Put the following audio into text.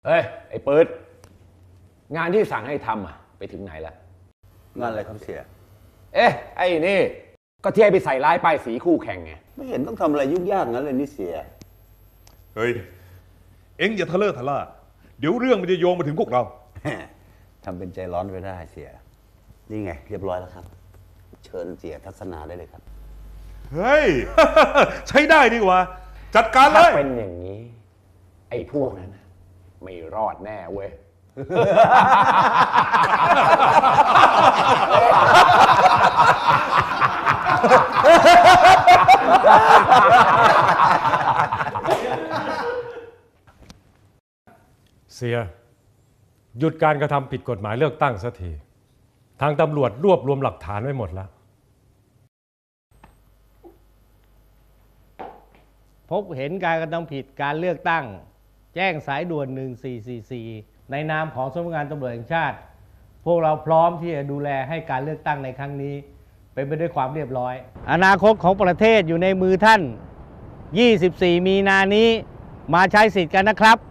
เฮ้ยไอ้ปืดงานที่สั่งให้ทำไปถึงไหนแล้วงานอะไรครับเสียไอ้นี่ก็ที่ให้ไปใส่ร้ายป้ายสีคู่แข่งไงไม่เห็นต้องทำอะไรยุ่งยากงั้นเลยนี่เสียเฮ้ยเอ็งอย่าทะเลาะทะล่าเดี๋ยวเรื่องมันจะโยงมาถึงพวกเราทำเป็นใจร้อนไปได้เสียนี่ไงเรียบร้อยแล้วครับเชิญเสียทัศนาได้เลยครับเฮ้ย ใช้ได้ดีกว่าจัดการเลถ้ายเป็นอย่างนี้ไอ้พวกนั้นไม่รอดแน่เว้ยเสียหยุดการกระทำผิดกฎหมายเลือกตั้งสักทีทางตำรวจรวบรวมหลักฐานไว้หมดแล้วพบเห็นการกระทำผิดการเลือกตั้งแจ้งสายด่วน1444ในนามของสำนักงานตำรวจแห่งชาติพวกเราพร้อมที่จะดูแลให้การเลือกตั้งในครั้งนี้เป็นไปด้วยความเรียบร้อยอนาคตของประเทศอยู่ในมือท่าน24มีนานี้มาใช้สิทธิ์กันนะครับ